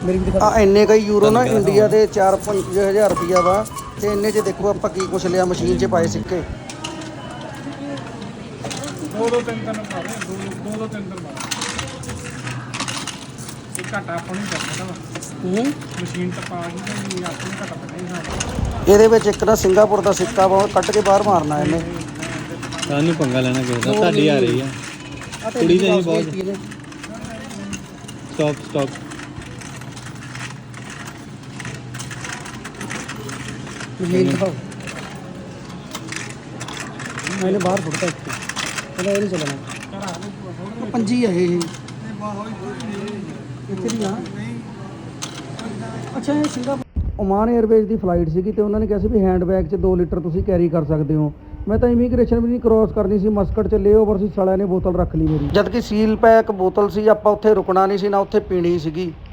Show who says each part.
Speaker 1: ਆ ਇੰਨੇ ਕਈ ਯੂਰੋ ਨਾ ਇੰਡੀਆ ਦੇ 4-5 ਹਜ਼ਾਰ ਰੁਪਈਆ ਵਾ। ਤੇ ਇੰਨੇ 'ਚ ਦੇਖੋ ਆਪਾਂ ਕੀ ਕੁਛ ਲਿਆ, ਮਸ਼ੀਨ 'ਚ ਪਾਏ ਸਿੱਕੇ।
Speaker 2: ਦੋ ਤਿੰਨ ਪਾ ਦੇ, ਦੋ ਤਿੰਨ ਪਾ ਇਹ ਘਾਟਾ ਆਪਾਂ ਨੂੰ ਕਰਨਾ ਵਾ। ਮਸ਼ੀਨ ਤਾਂ ਪਾ ਗਈ ਤੇ ਆਪਾਂ ਨੂੰ ਘਾਟਾ ਪੈਣਾ ਹੀ ਸਾਡਾ।
Speaker 1: ਇਹਦੇ ਵਿੱਚ ਇੱਕ ਨਾ ਸਿੰਗਾਪੁਰ ਦਾ ਸਿੱਕਾ ਵਾ, ਕੱਢ ਕੇ ਬਾਹਰ ਮਾਰਨਾ ਇਹਨੇ।
Speaker 3: ਸਾਨੂੰ ਪੰਗਾ ਲੈਣਾ ਕਿਸੇ ਦਾ, ਤੁਹਾਡੀ ਆ ਰਹੀ ਆ ਕੁੜੀ ਦੇ ਹੀ ਬਹੁਤ। ਸਟਾਪ
Speaker 1: ਮਸ਼ੀਨ ਦਿਖਾਓ। ਮੈंने बाहर फुटता है चलो ये नहीं चलना पंजी है ये ਅੱਛਾ ਇਹ ਸਿੰਗਾਪੁਰ ਓਮਾਨ 에ਅਰਵੇਜ਼ ਦੀ ਫਲਾਈਟ ਸੀਗੀ ਤੇ ਉਹਨਾਂ ਨੇ ਕਿਹਾ ਸੀ ਵੀ ਹੈਂਡ ਬੈਗ 'ਚ 2 ਲੀਟਰ ਤੁਸੀਂ ਕੈਰੀ ਕਰ ਸਕਦੇ ਹੋ। ਮੈਂ ਤਾਂ ਇਮੀਗ੍ਰੇਸ਼ਨ ਵੀ ਨਹੀਂ ਕ੍ਰੋਸ ਕਰਨੀ ਸੀ, ਮਸਕਟ 'ਚ ਲੇਓਵਰ ਸੀ, ਸਾਲਿਆਂ ਨੇ ਬੋਤਲ ਰੱਖ ਲਈ ਮੇਰੀ। ਜਦ ਕਿ ਸੀਲ ਪੈਕ ਬੋਤਲ ਸੀ, ਆਪਾਂ ਉੱਥੇ ਰੁਕਣਾ ਨਹੀਂ ਸੀ ਨਾ ਉੱਥੇ ਪੀਣੀ ਸੀਗੀ।